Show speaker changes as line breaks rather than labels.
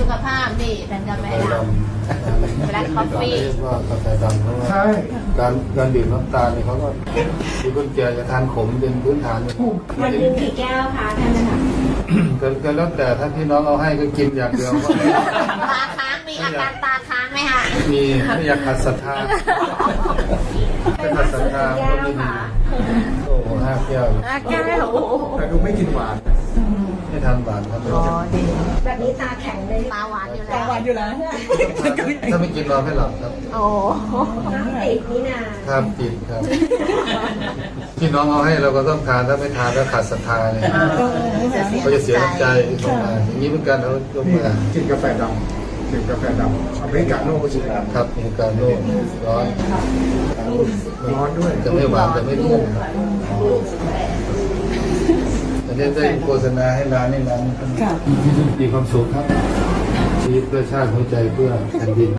ขภาพนี่เป็นกาแฟดำแบล็คคอฟฟี่
เรียกว่ากาแฟดำเพราะว่าการดื่มน้ำตาลเนี่ยเขาก็มีคนแก่จะทานขมเป็นพื้นฐานเลย
วันหนึ่งกี่แก้วคะท่านนะคะ
ก็แล้วแต่ถ้าพี่น้องเอาให้ก็กินอย่างเดียวก็
ตาค้างมีอาการตาค้างไหมคะ
มีไม่อยากขัดศรัทธาไม่ขัดศรัทธาก็ไม่ดีโอ้โห5 แก้ว
แก้ว
แต่ดูไม่กินหวาน
ไม่ทานหวานครับ
แบบนี้ตาแข็งเลย
ตาหวานอยู่
กลา
แล้ว
งวันอยู่แล้ว
ถ้าไม่กินนอนไม่หลับครับ
โอ้
น้ำติดนี่นา
ครับติดครับพี่น้องเอาให้เราก็ต้องทานถ้าไม่ทานแล้วขาดศรัทธาเลยเขาจะเสียน้ำใจของมาอย่างนี้เหมือนกันเขายก
นี่
มา
กินกาแฟดำดื่มกาแฟดำอเมริกาโน่ใช่ไหมครับ
ครับมีการโน่ร้อน
ร้อนด้วย
จะไม่หวานจะไม่เลี่ยนแต่เนี่ยได้โฆษณาให้ร้านนี้ร้านมีความสุขครับชีวิตเพื่อชาติหัวใจเพื่อแผ่นดิน